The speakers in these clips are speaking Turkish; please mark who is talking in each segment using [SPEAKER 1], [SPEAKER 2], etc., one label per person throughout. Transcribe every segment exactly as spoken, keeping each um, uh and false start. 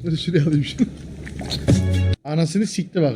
[SPEAKER 1] Dur şuraya alayım şunu. Anasını sikti bak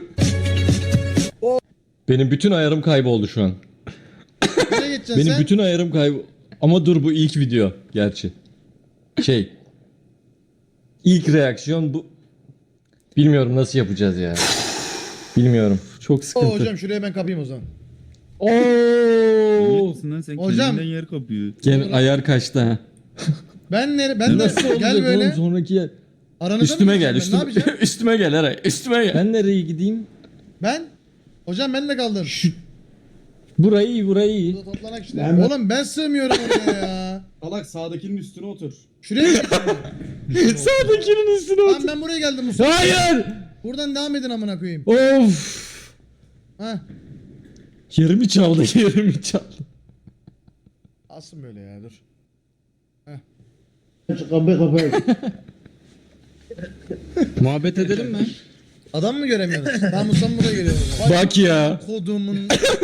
[SPEAKER 1] o.
[SPEAKER 2] Benim bütün ayarım kayboldu şu an.
[SPEAKER 1] Nereye geçeceksin
[SPEAKER 2] Benim
[SPEAKER 1] sen?
[SPEAKER 2] bütün ayarım kaybol... Ama dur bu ilk video gerçi. Şey. İlk reaksiyon bu. Bilmiyorum nasıl yapacağız ya. Bilmiyorum. Çok
[SPEAKER 1] Oo,
[SPEAKER 2] sıkıntı.
[SPEAKER 1] hocam şuraya ben kapayım o zaman.
[SPEAKER 2] Oo.
[SPEAKER 3] Lan sen
[SPEAKER 1] Hocam.
[SPEAKER 3] kendinden yer kapıyor.
[SPEAKER 2] Gene ayar kaçtı ha.
[SPEAKER 1] Ben nere? Ben de
[SPEAKER 2] Nasıl olacak
[SPEAKER 1] gel böyle.
[SPEAKER 2] oğlum sonraki yer.
[SPEAKER 1] Aranıza
[SPEAKER 2] Üstüme
[SPEAKER 1] mı
[SPEAKER 2] gel
[SPEAKER 1] gideceğim ben? Ne
[SPEAKER 2] üstüme.
[SPEAKER 1] yapacağım?
[SPEAKER 2] üstüme gel Eray üstüme gel. Ben nereye gideyim?
[SPEAKER 1] Ben? Hocam ben de kaldım.
[SPEAKER 2] Burayı iyi burayı iyi.
[SPEAKER 1] Burada toplanak işte.
[SPEAKER 4] Ben-
[SPEAKER 1] Oğlum ben sığmıyorum oraya ya.
[SPEAKER 4] Salak sağdakinin üstüne otur.
[SPEAKER 1] Şuraya mı?
[SPEAKER 2] Sağdakinin üstüne
[SPEAKER 1] Lan
[SPEAKER 2] otur.
[SPEAKER 1] ben buraya geldim Mustafa.
[SPEAKER 2] Hayır.
[SPEAKER 1] Buradan devam edin amına koyayım.
[SPEAKER 2] Of.
[SPEAKER 1] Ha.
[SPEAKER 2] Yerimi çaldı yerimi çaldı.
[SPEAKER 1] Alsın böyle ya dur.
[SPEAKER 4] Kapı kapı.
[SPEAKER 3] Muhabbet edelim mi?
[SPEAKER 1] Adam mı göremiyorsun? Tamam Mustafa buraya geliyor. Bak
[SPEAKER 2] Bak ya.
[SPEAKER 1] kodumun.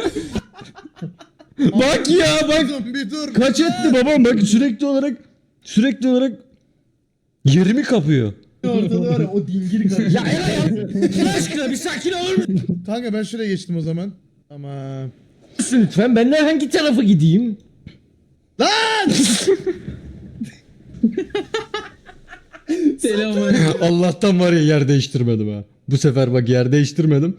[SPEAKER 2] Bak ya bak.
[SPEAKER 1] Dur, bir dur.
[SPEAKER 2] Kaç etti babam bak sürekli olarak sürekli olarak yerimi kapıyor.
[SPEAKER 4] Ortada var ya o dingil karışık.
[SPEAKER 2] Ya Allah aşkına bir sakin olur musun?
[SPEAKER 1] Kanka ben şuraya geçtim o zaman. Ama
[SPEAKER 2] Lütfen ben de hangi tarafa gideyim?
[SPEAKER 1] lan!
[SPEAKER 3] Selamlar.
[SPEAKER 2] Allah'tan var ya yer değiştirmedim ha. Bu sefer bak yer değiştirmedim.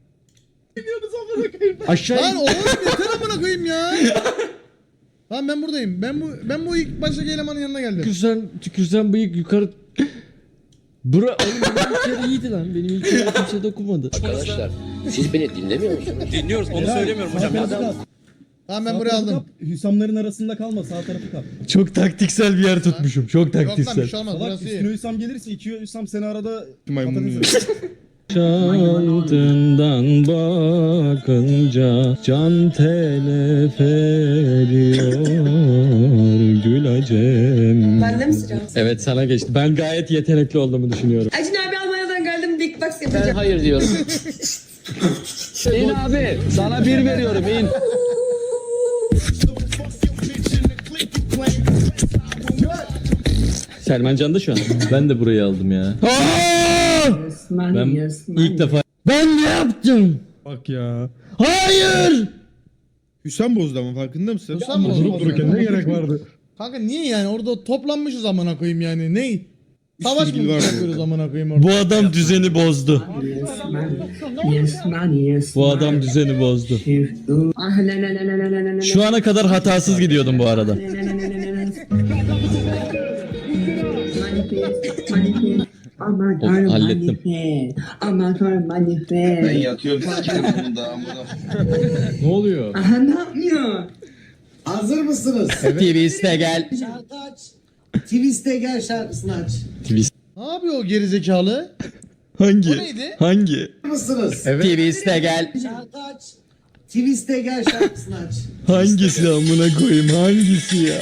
[SPEAKER 2] Aşağı
[SPEAKER 1] Lan oğlum yeter amına koyayım ya. Tamam ben buradayım. Ben bu ben bu ilk baştaki elemanın yanına geldim.
[SPEAKER 2] tükürsen, tükürsen bıyık yukarı... Bura oğlum benim ilk yer iyiydi lan. Benim ilk yer kimse dokunmadı.
[SPEAKER 5] Arkadaşlar siz beni dinlemiyor musunuz?
[SPEAKER 6] Dinliyoruz onu söylemiyorum hocam.
[SPEAKER 1] Tamam ben buraya aldım.
[SPEAKER 4] Hüsamların arasında kalma sağ tarafı kap.
[SPEAKER 2] Çok taktiksel bir yer tutmuşum. Çok
[SPEAKER 1] Yok lan bir
[SPEAKER 2] taktiksel.
[SPEAKER 1] şey olmaz
[SPEAKER 4] Salak
[SPEAKER 1] burası
[SPEAKER 4] üstüne
[SPEAKER 1] iyi.
[SPEAKER 4] Hüsam gelirse iki Hüsam seni arada
[SPEAKER 3] Maymun.
[SPEAKER 4] patates-
[SPEAKER 2] Şantından bakınca can telef ediyor Gülacem.
[SPEAKER 7] Bende mi sıra?
[SPEAKER 2] Evet sana geçti. Ben gayet yetenekli olduğumu düşünüyorum.
[SPEAKER 7] Acun abi Almanya'dan geldim. Big Box
[SPEAKER 5] Ben
[SPEAKER 7] yapacağım.
[SPEAKER 5] hayır diyorum. İn abi sana bir veriyorum in.
[SPEAKER 2] Selman Can da şu an. Ben de burayı aldım ya. Ben ilk defa... Ben ne yaptım?
[SPEAKER 3] Bak ya.
[SPEAKER 2] Hayır!
[SPEAKER 3] Hüsam bozdu ama farkında mısın?
[SPEAKER 1] Hüsam mı
[SPEAKER 4] Durup
[SPEAKER 1] bozdu?
[SPEAKER 4] dururken ne gerek vardı?
[SPEAKER 1] Kanka niye yani orada toplanmışız amına koyayım yani ney? Savaş mı
[SPEAKER 3] bilgi var
[SPEAKER 1] yapıyoruz amına koyayım orada?
[SPEAKER 2] Bu adam düzeni bozdu.
[SPEAKER 7] Yes man, yes
[SPEAKER 2] Bu adam düzeni bozdu.
[SPEAKER 7] Ah, la, la, la, la, la, la, la,
[SPEAKER 2] Şu ana kadar hatasız gidiyordum bu arada.
[SPEAKER 7] Aman
[SPEAKER 2] Of,
[SPEAKER 7] tanrım
[SPEAKER 2] hallettim.
[SPEAKER 7] manifest. Aman tanrım manifest.
[SPEAKER 6] Yatıyorum sikerim bunu da amına.
[SPEAKER 2] Ne oluyor?
[SPEAKER 7] Aha ne yapıyor?
[SPEAKER 8] Hazır mısınız?
[SPEAKER 2] Twist'e gel.
[SPEAKER 8] Şarkı aç. Twist'e gel şarkısını aç.
[SPEAKER 2] Twist.
[SPEAKER 1] Ne yapıyor o gerizekalı?
[SPEAKER 2] Hangi?
[SPEAKER 1] O neydi?
[SPEAKER 2] Hangi?
[SPEAKER 8] Hazır mısınız?
[SPEAKER 2] Twist'e gel.
[SPEAKER 8] Şarkı aç. Twist'e gel şarkısını aç.
[SPEAKER 2] Hangisi amına koyayım? Hangisi ya?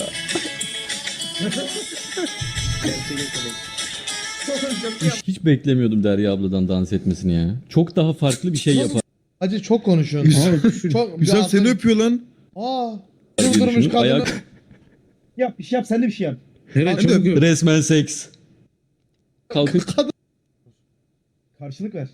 [SPEAKER 2] Hiç, hiç beklemiyordum Derya abladan dans etmesini ya. Çok daha farklı bir şey yapar.
[SPEAKER 1] Hacı çok konuşuyorsun. çok bir
[SPEAKER 3] Hüsam seni
[SPEAKER 1] altın-
[SPEAKER 3] öpüyor lan.
[SPEAKER 1] Aa.
[SPEAKER 2] diye
[SPEAKER 1] Çıldırmış
[SPEAKER 2] düşünüp
[SPEAKER 1] kadını.
[SPEAKER 2] ayak-
[SPEAKER 4] Yap bir şey yap sen de bir şey yap.
[SPEAKER 3] Nereye
[SPEAKER 1] Hadi
[SPEAKER 3] çok
[SPEAKER 2] Resmen seks. Kalkıp
[SPEAKER 4] Karşılık ver.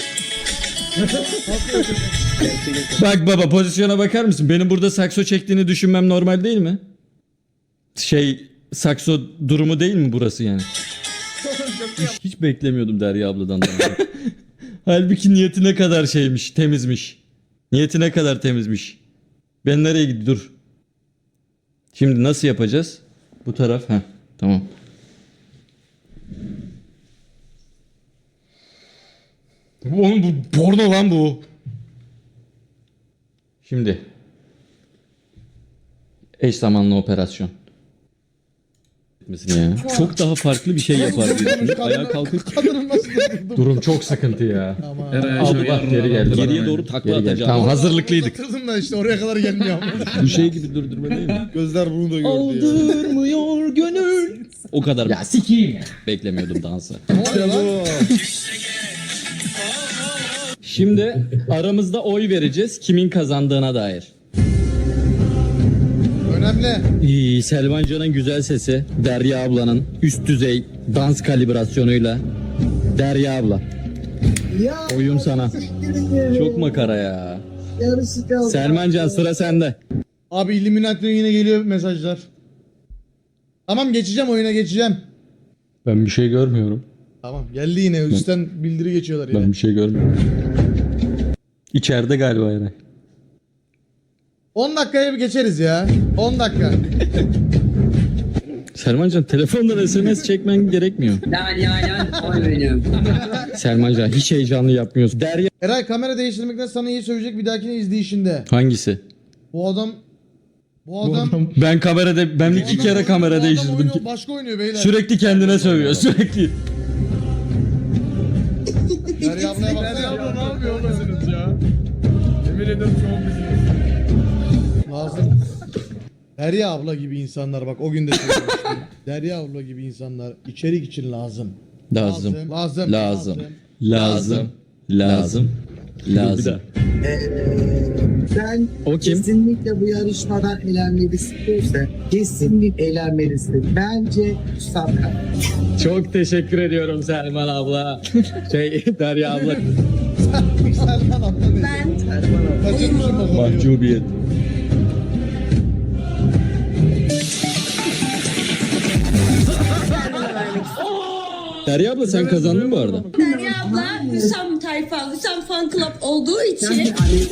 [SPEAKER 2] bak baba pozisyona bakar mısın? Benim burada sakso çektiğini düşünmem normal değil mi? Şey sakso durumu değil mi burası yani? Hiç, hiç beklemiyordum Derya abladan. dans etmeyi. Halbuki niyeti ne kadar şeymiş, temizmiş. Niyeti ne kadar temizmiş. Ben nereye gidiyorum? Dur. Şimdi nasıl yapacağız? Bu taraf. Heh, tamam. Oğlum bu porno lan bu. Şimdi. Eş zamanlı operasyon. Ya. Çok daha farklı bir şey yapar diye düşünüp ayağa kalkıp
[SPEAKER 1] Kadının nasıl durdurdu?
[SPEAKER 2] durum çok sıkıntı ya.
[SPEAKER 1] Ama.
[SPEAKER 2] Aldı bak geri geldi. Geriye doğru takla atacağım. Tamam hazırlıklıydık.
[SPEAKER 1] Oturdum da işte oraya kadar gelmiyor ama.
[SPEAKER 2] Bu şey gibi durdurma değil mi?
[SPEAKER 3] Gözler bunu da gördü ya.
[SPEAKER 2] Aldırmıyor gönül. O kadar. Ya sikiyim ya. Beklemiyordum dansı.
[SPEAKER 1] Ne oluyor lan?
[SPEAKER 2] Şimdi aramızda oy vereceğiz kimin kazandığına dair.
[SPEAKER 1] Öne önemli.
[SPEAKER 2] İyi, Selman Can'ın güzel sesi, Derya ablanın üst düzey dans kalibrasyonuyla. Derya abla,
[SPEAKER 8] Ya
[SPEAKER 2] oyun sana. Çok makara ya. Selman Can, sıra sende.
[SPEAKER 1] Abi Illuminati'den yine geliyor mesajlar. Tamam geçeceğim oyuna geçeceğim.
[SPEAKER 2] Ben bir şey görmüyorum.
[SPEAKER 1] Tamam geldi yine üstten bildiri geçiyorlar yine.
[SPEAKER 2] Ben bir şey görmüyorum. İçeride galiba yani.
[SPEAKER 1] on dakikaya bir geçeriz ya. on dakika.
[SPEAKER 2] Selman Can, telefondan S M S çekmen gerekmiyor.
[SPEAKER 7] Lan ya lan oy benim.
[SPEAKER 2] Selman Can, hiç heyecanlı yapmıyorsun. Derya
[SPEAKER 1] Eray kamera değiştirmekten sana iyi söyleyecek bir dahakine izleyişinde.
[SPEAKER 2] hangisi?
[SPEAKER 1] Bu adam bu adam,
[SPEAKER 2] Ben kamerada ben
[SPEAKER 1] bu
[SPEAKER 2] iki
[SPEAKER 1] adam
[SPEAKER 2] kere
[SPEAKER 1] oynuyor,
[SPEAKER 2] kamera
[SPEAKER 1] bu adam
[SPEAKER 2] değiştirdim.
[SPEAKER 1] oynuyor, başka oynuyor beyler.
[SPEAKER 2] Sürekli kendine sövüyor, sürekli.
[SPEAKER 1] Derya ablaya baksana.
[SPEAKER 3] ne yapıyorsunuz ya? Yemin ederim çok bizi.
[SPEAKER 1] Lazım. Derya abla gibi insanlar bak o gün de söylemiştim. Derya abla gibi insanlar içerik için lazım.
[SPEAKER 2] Lazım.
[SPEAKER 1] Lazım.
[SPEAKER 2] Lazım. Lazım. Lazım. Lazım.
[SPEAKER 8] Sen
[SPEAKER 2] O kim?
[SPEAKER 8] kesinlikle bu yarışmadan eğlenmelisin derse kesinlikle eğlenmelisin. Bence Hüsam.
[SPEAKER 2] Çok teşekkür ediyorum Selman abla. Şey Derya abla.
[SPEAKER 1] Selman abla dedi.
[SPEAKER 7] Ben
[SPEAKER 1] Kaçırmışım bak olayı.
[SPEAKER 2] Mahcubiyet. Derya abla sen kazandın bu arada.
[SPEAKER 9] Derya abla Hüsam tayfa, Hüsam fan club olduğu için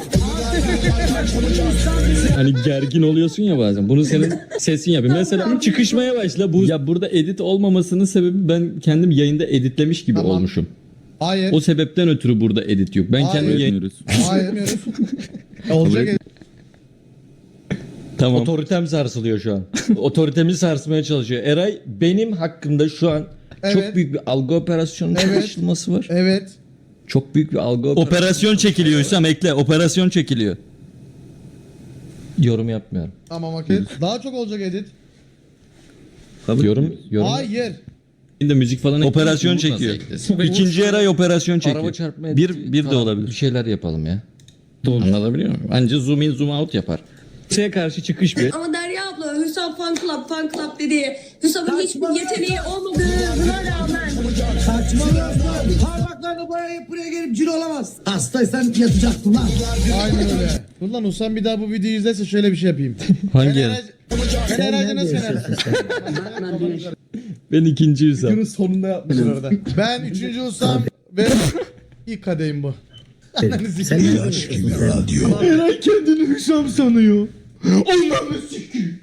[SPEAKER 2] Hani gergin oluyorsun ya bazen. Bunu senin sesin yapıyor. Mesela çıkışmaya başla. Bu ya burada edit olmamasının sebebi ben kendim yayında editlemiş gibi
[SPEAKER 1] Tamam.
[SPEAKER 2] olmuşum.
[SPEAKER 1] Hayır.
[SPEAKER 2] O sebepten ötürü burada edit yok. Ben
[SPEAKER 1] Hayır.
[SPEAKER 2] kendim yayın...
[SPEAKER 1] Hayır. Olacak.
[SPEAKER 2] Tamam. Otoritem sarsılıyor şu an. Otoritemi sarsmaya çalışıyor. Eray benim hakkımda şu an
[SPEAKER 1] Evet.
[SPEAKER 2] çok büyük bir algı operasyonu
[SPEAKER 1] Evet.
[SPEAKER 2] çalışılması var.
[SPEAKER 1] Evet.
[SPEAKER 2] Çok büyük bir algı operasyonu. Operasyon çekiliyor Hüsam, ekle. Operasyon çekiliyor. Yorum yapmıyorum.
[SPEAKER 1] Tamam okey. Daha çok olacak edit.
[SPEAKER 2] Yorum, yorum.
[SPEAKER 1] Hayır.
[SPEAKER 2] de müzik falan operasyon çekiyor. İkinci Eray operasyon çekiyor.
[SPEAKER 10] Araba çarpma
[SPEAKER 2] bir
[SPEAKER 10] editi
[SPEAKER 2] bir de
[SPEAKER 10] falan.
[SPEAKER 2] olabilir.
[SPEAKER 10] Bir şeyler yapalım ya. Anlatabiliyor muyum? Anca zoom in zoom out yapar.
[SPEAKER 2] Şeye karşı çıkış bir.
[SPEAKER 9] ama Derya abla Hüsam fan club, fan club dedi. Hüsam'ın hiçbir yeteneği olmadığına rağmen
[SPEAKER 8] Saçmalıyorsun. Parmaklarını boyayıp buraya gelip cin olamaz. Hastaysan yatacaksın lan.
[SPEAKER 1] Aynen öyle. Dur lan Usam bir daha bu videoyu izlerse şöyle bir şey yapayım.
[SPEAKER 2] Hangi
[SPEAKER 1] Ben
[SPEAKER 2] Eray?
[SPEAKER 1] Eray- Ben Eray'da nasıl yenersin?
[SPEAKER 2] Ben ikinci Hüsam.
[SPEAKER 4] Günün sonunda yapmışlar orada.
[SPEAKER 1] Ben üçüncü Usam ve ilk kadehim bu.
[SPEAKER 8] Sen ne yapıyorsun?
[SPEAKER 2] Eray kendini Hüsam sanıyor. Ondan sikeyim.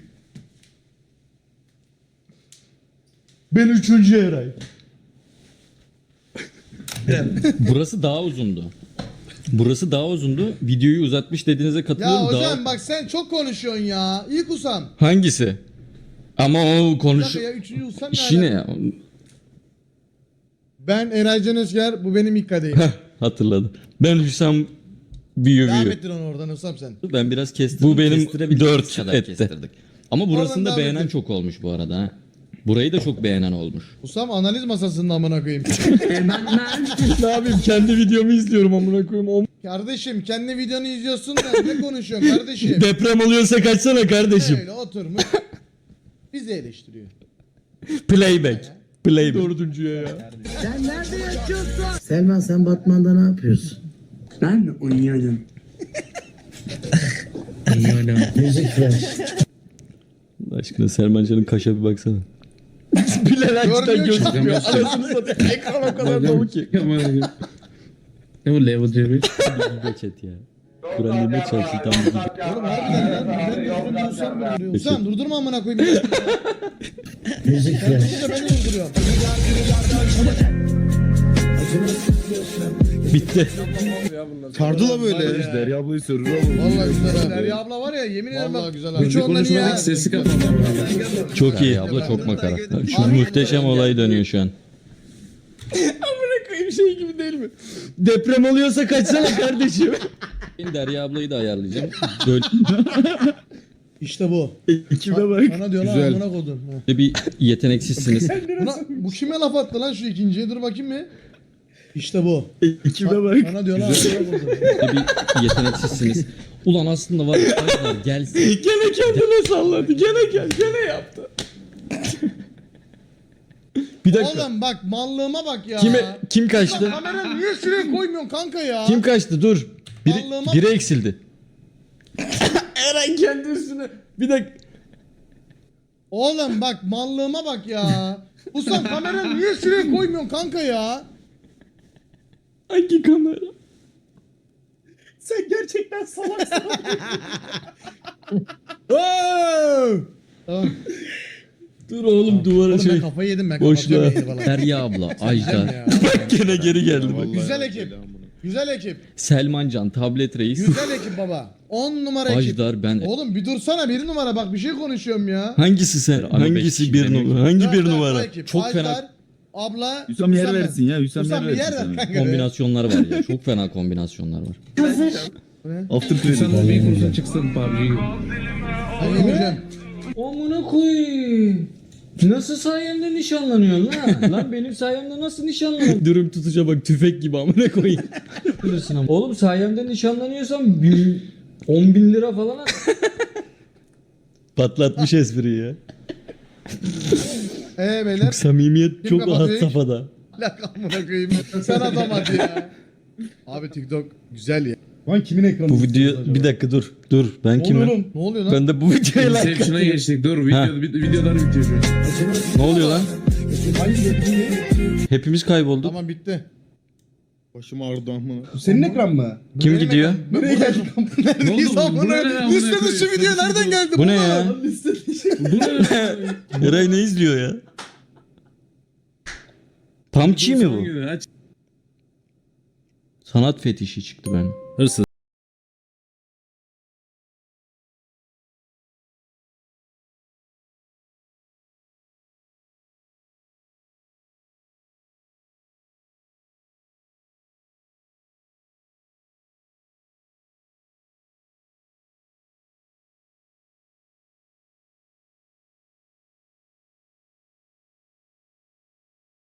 [SPEAKER 1] Ben üçüncü Eray.
[SPEAKER 2] Burası daha uzundu. Burası daha uzundu. Videoyu uzatmış dediğinize
[SPEAKER 1] Ya
[SPEAKER 2] katılıyorum.
[SPEAKER 1] hocam
[SPEAKER 2] daha...
[SPEAKER 1] bak sen çok konuşuyorsun ya. İlk Usam.
[SPEAKER 2] Hangisi? Ama o
[SPEAKER 1] Bir
[SPEAKER 2] konuş...
[SPEAKER 1] dakika ya üçüncü Usam ne
[SPEAKER 2] İşi ne
[SPEAKER 1] alaka?
[SPEAKER 2] ya?
[SPEAKER 1] Ben Eray Can Özger, bu benim ilk kadehim.
[SPEAKER 2] Heh, hatırladım. Ben Hüsam büyüyor
[SPEAKER 1] Devam
[SPEAKER 2] büyüyor.
[SPEAKER 1] ettir onu oradan Usam sen.
[SPEAKER 2] Ben biraz kestirdim. Bu benim dört
[SPEAKER 10] kadar
[SPEAKER 2] etti.
[SPEAKER 10] kestirdik.
[SPEAKER 2] Ama
[SPEAKER 1] Oradan
[SPEAKER 2] burasında
[SPEAKER 1] devam
[SPEAKER 2] beğenen
[SPEAKER 1] edin.
[SPEAKER 2] çok olmuş bu arada ha. Burayı da çok beğenen olmuş.
[SPEAKER 1] Usam analiz masasında amına koyayım.
[SPEAKER 2] Ne yapayım, kendi videomu izliyorum amına koyayım.
[SPEAKER 1] Kardeşim kendi videonu izliyorsun da ne konuşuyorsun kardeşim?
[SPEAKER 2] Deprem oluyorsa kaçsana kardeşim.
[SPEAKER 1] Öyle oturmuş. Bizi eleştiriyor.
[SPEAKER 2] Playback. Playback.
[SPEAKER 3] Dördüncüye ya.
[SPEAKER 8] Sen nerede yatıyorsun? Selman sen Batman'da ne yapıyorsun?
[SPEAKER 7] ben oynuyorum.
[SPEAKER 8] Müzik ver.
[SPEAKER 2] Allah aşkına Selman Can'ın kaşa bir baksana. Bilal açtan
[SPEAKER 1] Görmüyor ki.
[SPEAKER 2] gözükmüyor. Anasını satayım. Ekran o kadar dolu ki.
[SPEAKER 3] Ne bu level cebi?
[SPEAKER 2] Geç et ya. Kur'an dinle çalışsın tam bir.
[SPEAKER 1] Oğlum harbiden lan. Ben de Usam durduruyor. Usam durdurma amına koyayım.
[SPEAKER 8] Müzik
[SPEAKER 1] Sen
[SPEAKER 8] ver.
[SPEAKER 1] durunca ben de durduruyorum.
[SPEAKER 2] Bitti.
[SPEAKER 3] Sardı la böyle. Derya ablayı sürür oğlum.
[SPEAKER 1] Vallahi güzel ha. Derya abla var ya yemin ederim bak. Güzel abi. Üç ondan iyi ha.
[SPEAKER 3] Sesi kapalı.
[SPEAKER 2] Çok iyi. Abla çok makara. Şu muhteşem olay dönüyor şu an. Amına koyayım şey gibi değil mi? Deprem oluyorsa kaçsana kardeşim. Ben Derya ablayı da ayarlayacağım. Böyle
[SPEAKER 1] İşte bu.
[SPEAKER 2] ekibe bak.
[SPEAKER 1] Bana diyor lan
[SPEAKER 3] Güzel.
[SPEAKER 1] amına kodum. Ha.
[SPEAKER 2] Bir yeteneksizsiniz.
[SPEAKER 1] Buna, bu kime laf attı lan şu ikinciye? Dur bakayım mı? İşte bu.
[SPEAKER 4] Ekibe bak.
[SPEAKER 1] Sana diyorlar.
[SPEAKER 2] bir yeteneksizsiniz. Ulan aslında var ya Ajdar gelsin.
[SPEAKER 3] Gene kendine salladı. Gene gel. Gene yaptı.
[SPEAKER 2] Bir dakika.
[SPEAKER 1] Oğlum bak mallığıma bak ya.
[SPEAKER 2] Kime kim
[SPEAKER 1] Lan
[SPEAKER 2] kaçtı?
[SPEAKER 1] kamerayı niye şuraya koymuyorsun kanka ya?
[SPEAKER 2] Kim kaçtı? Dur. Biri,
[SPEAKER 1] Allah'ıma-
[SPEAKER 2] biri eksildi.
[SPEAKER 3] Eren kendi üstüne. Bir dakika.
[SPEAKER 1] Oğlum bak mallığıma bak ya. Usam kamerayı niye şuraya koymuyorsun kanka ya?
[SPEAKER 3] Hangi kamera?
[SPEAKER 4] Sen gerçekten salaksın.
[SPEAKER 1] Tamam.
[SPEAKER 2] Dur oğlum duvara
[SPEAKER 1] Oğlum ben
[SPEAKER 2] şey.
[SPEAKER 1] kafayı yedim ben
[SPEAKER 2] Boşluğa.
[SPEAKER 1] kapatıyorum yayını falan.
[SPEAKER 2] Derya abla, Ajdar.
[SPEAKER 1] Ya.
[SPEAKER 2] Gene geri geldi bak.
[SPEAKER 1] Güzel ekip. Güzel ekip.
[SPEAKER 2] Selmancan, Tablet Reis.
[SPEAKER 1] Güzel ekip baba. on numara ekip.
[SPEAKER 2] Ajdar ben.
[SPEAKER 1] Oğlum bir dursana bir numara bak bir şey konuşuyorum ya.
[SPEAKER 2] Hangisi sen? Hangisi bir numara? Hangi bir
[SPEAKER 1] Dört, dört,
[SPEAKER 2] numara?
[SPEAKER 1] o ekip.
[SPEAKER 2] Çok
[SPEAKER 1] Ajdar,
[SPEAKER 2] fena
[SPEAKER 1] Abla.
[SPEAKER 4] Hüsam yer
[SPEAKER 1] ben.
[SPEAKER 4] versin ya. Hüsam,
[SPEAKER 1] Hüsam
[SPEAKER 4] yer
[SPEAKER 1] bir yer
[SPEAKER 4] versin.
[SPEAKER 1] ver
[SPEAKER 4] sana.
[SPEAKER 1] kanka.
[SPEAKER 2] kombinasyonlar var ya. Çok fena kombinasyonlar var.
[SPEAKER 4] After credit.
[SPEAKER 3] Sen o bir kursa çıksın P U B G.
[SPEAKER 1] Ben yemeyeceğim.
[SPEAKER 2] Amına koyayım. Nasıl sayemde nişanlanıyorsun lan? Lan benim sayemde nasıl nişanlanıyorsun? Dürüm tutuca bak tüfek gibi amına koyayım. Bilirsin ama. Oğlum sayemde nişanlanıyorsam bin, on bin lira falan al. Patlatmış espriyi ya.
[SPEAKER 1] Eee beyler.
[SPEAKER 2] Samimiyet
[SPEAKER 1] Kim
[SPEAKER 2] çok had
[SPEAKER 1] kapatıyor?
[SPEAKER 2] safhada.
[SPEAKER 1] Lak amına koyayım. Sen adam hadi ya. Abi TikTok güzel ya.
[SPEAKER 4] Lan kimin ekranı?
[SPEAKER 2] Bu video bir dakika dur. Dur ben
[SPEAKER 4] Ne
[SPEAKER 2] kimim?
[SPEAKER 4] oluyor oğlum?
[SPEAKER 1] Ne oluyor lan?
[SPEAKER 2] Ben de bu videoya like
[SPEAKER 3] Inception'a
[SPEAKER 2] atıyorum.
[SPEAKER 3] geçtik. Dur video, vid- videolar bitiyor şu an.
[SPEAKER 2] Ne oluyor lan?
[SPEAKER 4] Hangi ekranı?
[SPEAKER 2] Hepimiz kaybolduk.
[SPEAKER 1] Tamam bitti.
[SPEAKER 3] Başım ağrıdı amına.
[SPEAKER 4] Bu senin ekran mı?
[SPEAKER 2] Kim
[SPEAKER 1] Benim
[SPEAKER 2] gidiyor?
[SPEAKER 1] ekran-
[SPEAKER 4] Nereye geldik?
[SPEAKER 1] Neredeyiz
[SPEAKER 3] Ne oldu?
[SPEAKER 1] amına?
[SPEAKER 3] Bu ne lan amına
[SPEAKER 1] Liste dışı
[SPEAKER 3] koyayım?
[SPEAKER 1] video nereden geldi?
[SPEAKER 2] Bu ne ya?
[SPEAKER 3] Bu ne?
[SPEAKER 2] Eray ne izliyor ya? Pamçi mi bu?
[SPEAKER 3] Aç.
[SPEAKER 2] Sanat fetişi çıktı ben.
[SPEAKER 10] Hırsız.